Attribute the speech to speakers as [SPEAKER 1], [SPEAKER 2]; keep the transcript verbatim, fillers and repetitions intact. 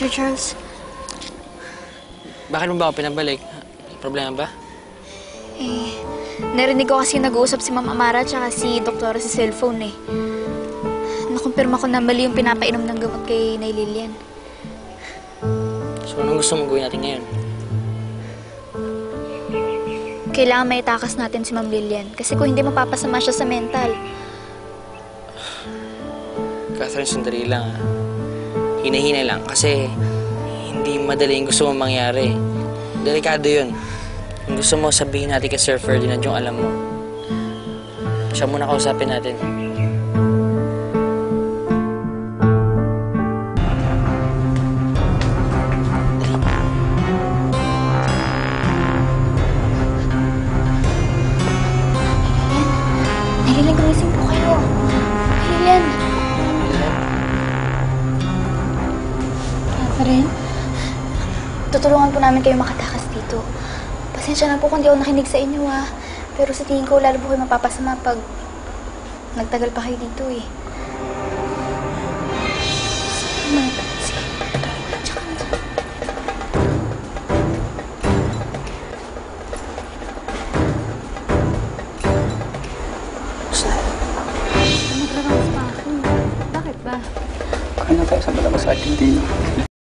[SPEAKER 1] Sir Charles.
[SPEAKER 2] Bakit mo ba ako pinabalik? Problema ba?
[SPEAKER 1] Eh, narinig ko kasi nag-uusap si Ma'am Amara at si Doktora sa cellphone eh. Nakumpirma ko na mali yung pinapainom ng gamot kay Nay Lilian.
[SPEAKER 2] So, anong gusto mong gawin natin ngayon?
[SPEAKER 1] Kailangan may itakas natin si Ma'am Lilian kasi kung hindi mapapasama siya sa mental.
[SPEAKER 2] Catherine, sandali lang ah. Hina-hina lang kasi hindi madali yung gusto mong mangyari. Delikado yun. Kung gusto mo sabihin natin kay Sir Ferdinand yung alam mo. Siya muna kausapin natin.
[SPEAKER 1] Lilian, gumising po kayo. Lilian. Catherine? Tutulungan po namin kayo makatakas dito. Pasensya na po kung di ako nakinig sa inyo, ah. Pero sa tingin ko, lalo po kayo mapapasama pag nagtagal pa kayo dito, eh. Sige, sige. Tsaka na dyan.
[SPEAKER 3] Maglabas pa ako. Bakit ba?
[SPEAKER 4] Kaya na tayo sa malabas at hindi.